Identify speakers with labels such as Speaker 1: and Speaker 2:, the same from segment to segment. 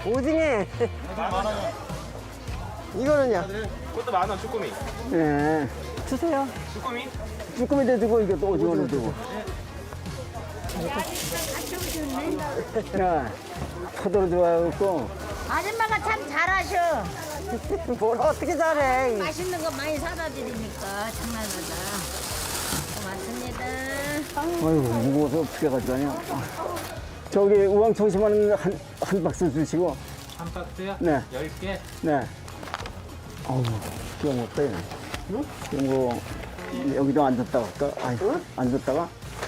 Speaker 1: 오징어.
Speaker 2: 10,000원.
Speaker 1: 이거는요?
Speaker 2: 그것도 10,000원 쭈꾸미.
Speaker 1: 예. 주세요.
Speaker 2: 쭈꾸미?
Speaker 1: 쭈꾸미도 주고 이거 또 오징어도 주고. 야, 포도로 들어가고.
Speaker 3: 아줌마가 참 잘하셔.
Speaker 1: 뭘 어떻게 잘해?
Speaker 3: 맛있는 거 많이 사다 드리니까 장난하다. 고맙습니다.
Speaker 1: 아이고 무거워서 어떻게 가져가냐. 저기 우왕 청심하는 한 박스 주시고.
Speaker 2: 한 박스요?
Speaker 1: 네.
Speaker 2: 10개?
Speaker 1: 네. 어우, 기억 못 빼네. 응? 뭐 여기도 앉았다가 할까? 아이고, 앉았다가.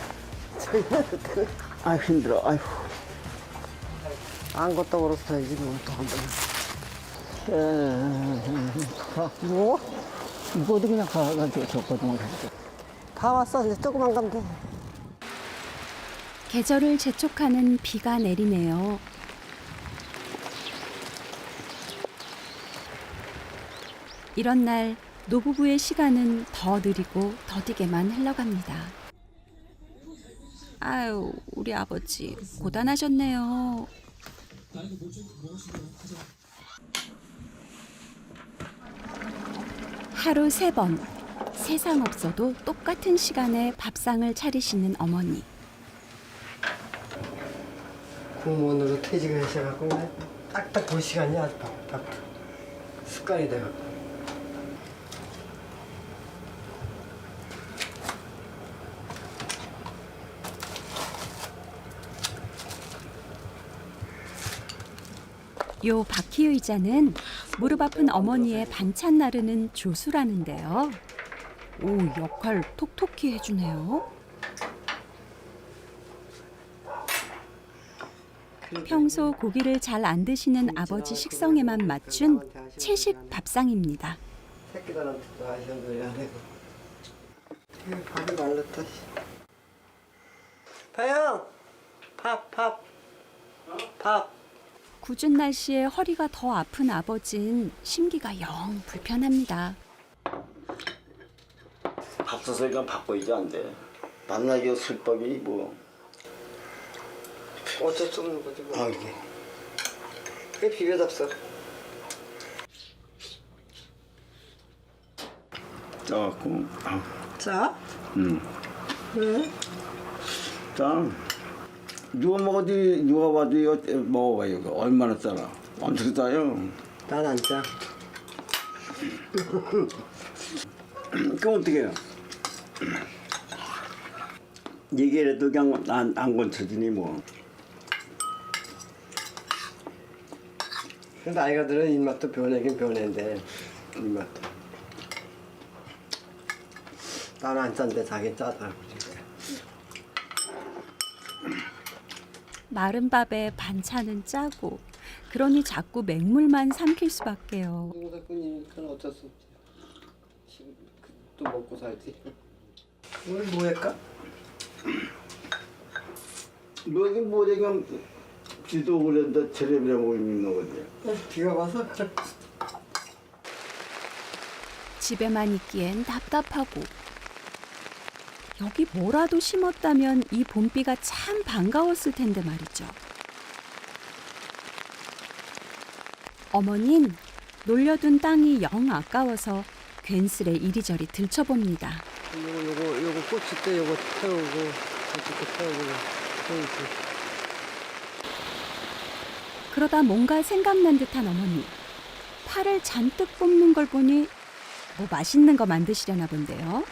Speaker 1: 아이고 힘들어. 아이고. 안 걷다 걸었어야지 뭐또 한 번. 뭐? 이거도 그냥 가가지고 줬거든요. 다 왔어. 이제 조금만 가면 돼.
Speaker 4: 계절을 재촉하는 비가 내리네요. 이런 날 노부부의 시간은 더 느리고 더디게만 흘러갑니다. 아유, 우리 아버지 고단하셨네요. 하루 3번, 세상 없어도 똑같은 시간에 밥상을 차리시는 어머니.
Speaker 1: 공무원으로 퇴직을 하셔갖고 딱딱 그 시간이야. 밥 습관이 돼갖고.
Speaker 4: 요 바퀴 의자는 무릎 아픈 어머니의 반찬 나르는 조수라는데요. 오, 역할 톡톡히 해주네요. 평소 고기를 잘 안 드시는 아버지 식성에만 맞춘 채식 밥상입니다.
Speaker 1: 새끼들한테도 하셔도 해야 되고. 밥이 말랐다. 파영! 밥.
Speaker 4: 궂은 날씨에 허리가 더 아픈 아버진 심기가 영 불편합니다.
Speaker 5: 밥 써서니까 바꿔야지 안 돼. 만나기 술법이 뭐.
Speaker 1: 어쩔 수 없는 거지 뭐.
Speaker 5: 아 이게.
Speaker 1: 그게 비벼 잡숴.
Speaker 5: 짜고.
Speaker 1: 자?
Speaker 5: 왜? 짜. 누가 먹어도 누가 봐도 이거 먹어봐요. 이거 얼마나 짜나. 엄청 짜요.
Speaker 1: 난 안 짜.
Speaker 5: 그럼 어떻게 해요? 얘기를 해도 그냥 안 건쳐지니 뭐.
Speaker 1: 근데 나이가 들어 입맛도 변하긴 변했는데 입맛도. 나는 안 짠데 자기 짜다고 그러니까.
Speaker 4: 마른 밥에 반찬은 짜고 그러니 자꾸 맹물만 삼킬 수밖에요.
Speaker 1: 농사꾼이니까 어쩔 수 없지. 또 먹고 살지. 오늘 뭐 할까?
Speaker 5: 뭐 이게 뭐 지금 비도 오는데 테레비라고 있는 거지.
Speaker 1: 비가 와서.
Speaker 4: 집에만 있기엔 답답하고 여기 뭐라도 심었다면 이 봄비가 참 반가웠을 텐데 말이죠. 어머닌 놀려둔 땅이 영 아까워서 괜스레 이리저리 들춰봅니다.
Speaker 1: 요거 고추 때 요거 태우고 고추 태우고 태우고.
Speaker 4: 그러다 뭔가 생각난 듯한 어머니. 팔을 잔뜩 뽑는 걸 보니 뭐 맛있는 거 만드시려나 본데요.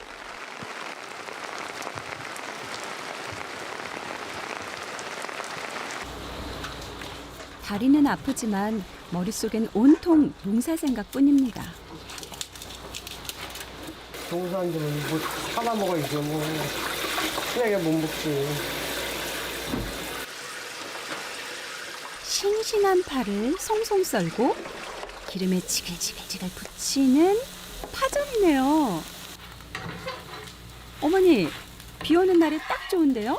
Speaker 4: 다리는 아프지만 머릿속엔 온통 농사 생각뿐입니다.
Speaker 1: 동산들은 뭐 사다 먹어야죠 뭐. 그냥 못 먹지.
Speaker 4: 싱싱한 파를 송송 썰고 기름에 지글지글 부치는 파전이네요. 어머니, 비 오는 날에 딱 좋은데요?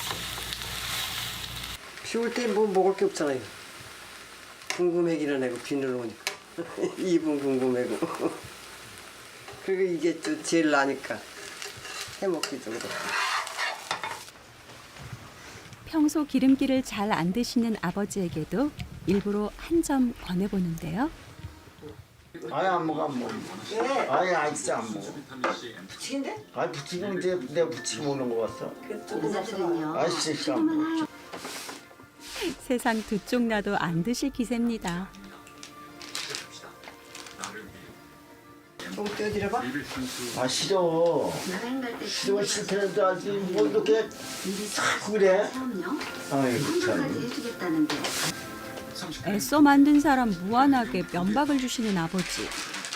Speaker 1: 비 올 때 뭐 먹을 게 없잖아요. 궁금해기는 하고 비늘 오니까. 입은 궁금해고. 그리고 이게 또 제일 나니까 해먹기 좀 그렇고.
Speaker 4: 평소 기름기를 잘 안 드시는 아버지에게도 일부러 한 점 권해보는데요.
Speaker 5: 아예 안 먹어 안 먹어. 아예 진짜 안 먹어.
Speaker 1: 부치긴데?
Speaker 5: 아 부치고 이제 내가 부치고 먹는 거 같어. 아 진짜 안 먹어.
Speaker 4: 세상 두 쪽 나도 안 드실 기세입니다.
Speaker 1: 좀 떼어드려봐.
Speaker 5: 아 싫어. 싫어 싫다는데 아직 뭐 이렇게 자꾸 그래. 아이고 참.
Speaker 4: 애써 만든 사람 무한하게 면박을 주시는 아버지.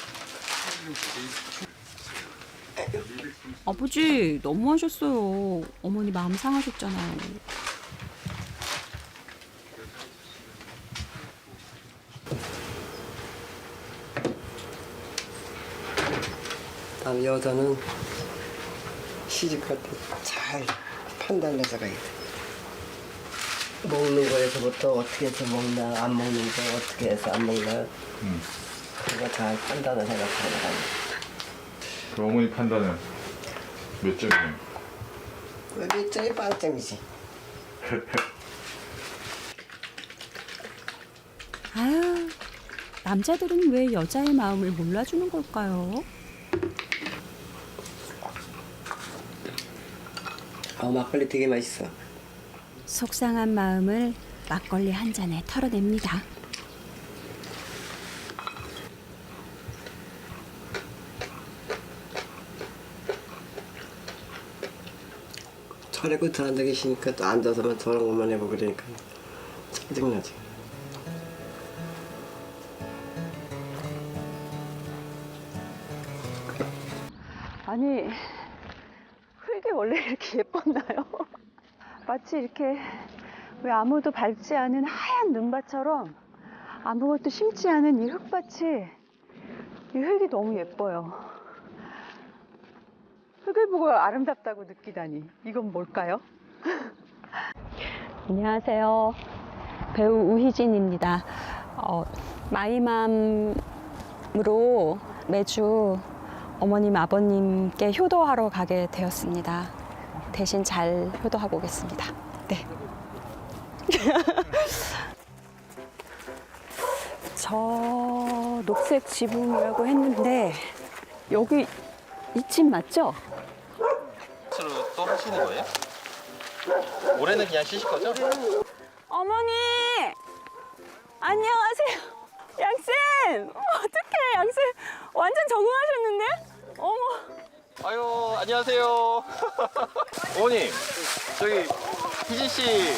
Speaker 4: 아버지 너무하셨어요. 어머니 마음 상하셨잖아요.
Speaker 1: 다음 여자는 시집갈 때 잘 판단해서 가야 돼. 먹는 거에서부터 어떻게 해서 먹나, 안 먹는 거 어떻게 해서 안 먹나, 그거 잘 판단을 해갖고 나가야
Speaker 6: 그 어머니 판단은 몇 점이에요?
Speaker 1: 돼. 몇 점이 빵점이지.
Speaker 4: 아유, 남자들은 왜 여자의 마음을 몰라주는 걸까요?
Speaker 1: 막걸리 되게 맛있어.
Speaker 4: 속상한 마음을 막걸리 한 잔에 털어냅니다.
Speaker 1: 저래고 더 앉아 계시니까 또 앉아서만 저런 것만 해보고 그러니까 짜증나지.
Speaker 7: 아니, 흙이 원래 이렇게 예뻤나요? 마치 이렇게 왜 아무도 밟지 않은 하얀 눈밭처럼 아무것도 심지 않은 이 흙밭이, 이 흙이 너무 예뻐요. 흙을 보고 아름답다고 느끼다니, 이건 뭘까요? 안녕하세요. 배우 우희진입니다. 마이맘으로 매주 어머님, 아버님께 효도하러 가게 되었습니다. 대신 잘 효도하고 오겠습니다. 네. 저 녹색 지붕이라고 했는데 여기 이 집 맞죠?
Speaker 2: 스스로 또 하시는 거예요? 올해는 그냥 쉬실 거죠?
Speaker 7: 어머니! 안녕하세요. 양쌤! 어떡해, 양쌤. 완전 적응하셨는데? 어머.
Speaker 2: 아유, 안녕하세요. 어머님, 저기 희진 씨,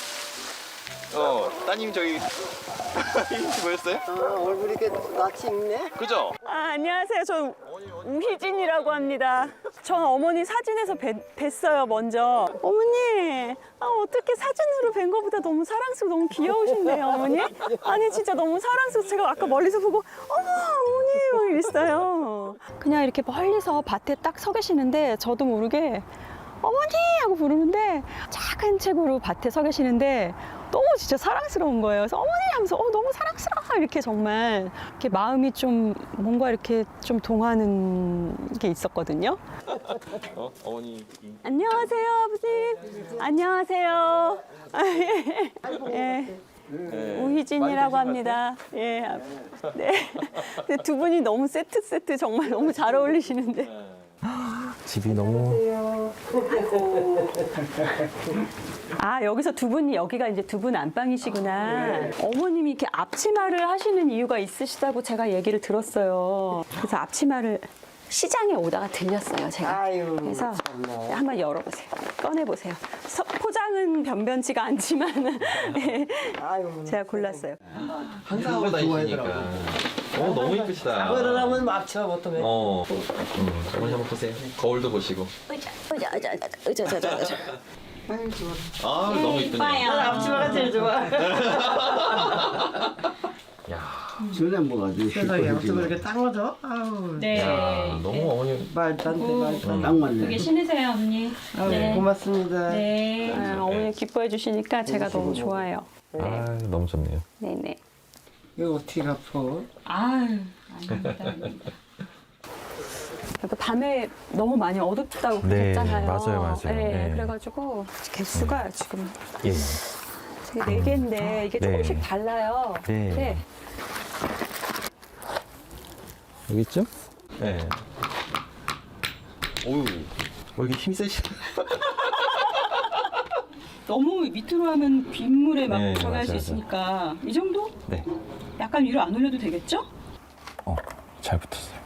Speaker 2: 따님 저기 희진 씨 보였어요?
Speaker 1: 얼굴이 이렇게 낯이 익네?
Speaker 2: 그죠?
Speaker 7: 안녕하세요. 저 우희진이라고 합니다. 전 어머니 사진에서 뵀어요, 먼저. 어머니, 어떻게 사진으로 뵌 거보다 너무 사랑스러워, 너무 귀여우신데요, 어머니? 아니, 진짜 너무 사랑스러워. 제가 아까 멀리서 보고, 어머니, 막 이랬어요. 그냥 이렇게 멀리서 밭에 딱 서 계시는데, 저도 모르게, 어머니! 하고 부르는데, 작은 책으로 밭에 서 계시는데, 너무 진짜 사랑스러운 거예요. 그래서 어머니 하면서 너무 사랑스러워 이렇게 정말 이렇게 마음이 좀 뭔가 이렇게 좀 동하는 게 있었거든요.
Speaker 2: 어머니.
Speaker 7: 안녕하세요, 아버님. 안녕하세요. 예. 우희진이라고 합니다. 예. 네. 근데 두 분이 너무 세트 정말 너무 잘 어울리시는데.
Speaker 8: 집이 너무
Speaker 7: 여기서 두 분이 여기가 이제 두 분 안방이시구나. 어머님이 이렇게 앞치마를 하시는 이유가 있으시다고 제가 얘기를 들었어요. 그래서 앞치마를 시장에 오다가 들렸어요, 제가.
Speaker 1: 아유,
Speaker 7: 그래서
Speaker 1: 참나.
Speaker 7: 한번 열어보세요. 꺼내보세요. 포장은 변변치가 않지만
Speaker 1: 아유,
Speaker 7: 제가 골랐어요.
Speaker 2: 항상 하고 다니시니까. 너무 이쁘시다.
Speaker 1: 그걸 하면 막치마 못하면.
Speaker 2: 어머니 한번 보세요. 거울도 보시고.
Speaker 7: 의자.
Speaker 1: 아유, 좋아.
Speaker 2: 너무 이쁘네요.
Speaker 1: 앞치마가 제일 좋아.
Speaker 5: 전에 뭐가지?
Speaker 1: 세상에 앞치마 이렇게 딱 맞아? 아우.
Speaker 7: 네.
Speaker 2: 너무 어머니.
Speaker 1: 말도 안 돼, 말도 안 돼.
Speaker 5: 딱 맞네.
Speaker 7: 신으세요, 언니.
Speaker 1: 아유, 고맙습니다.
Speaker 7: 네. 어머니 기뻐해 주시니까 제가 너무 좋아요.
Speaker 8: 너무 좋네요.
Speaker 7: 네네.
Speaker 1: 이거 어떻게 갚어?
Speaker 7: 아유, 아닙니다. 밤에 너무 많이 어둡다고
Speaker 8: 네,
Speaker 7: 그러셨잖아요.
Speaker 8: 맞아요.
Speaker 7: 네,
Speaker 8: 네.
Speaker 7: 그래가지고 개수가 지금
Speaker 8: 예.
Speaker 7: 네 개인데 이게 조금씩
Speaker 8: 네.
Speaker 7: 달라요.
Speaker 8: 네. 여기 있죠? 네.
Speaker 2: 어우, 왜 이렇게 힘 세시?
Speaker 7: 너무 밑으로 하면 빗물에 막
Speaker 8: 네,
Speaker 7: 들어갈 수
Speaker 8: 맞아요,
Speaker 7: 있으니까 이 정도?
Speaker 8: 네.
Speaker 7: 약간 위로 안 올려도 되겠죠?
Speaker 8: 잘 붙었어요.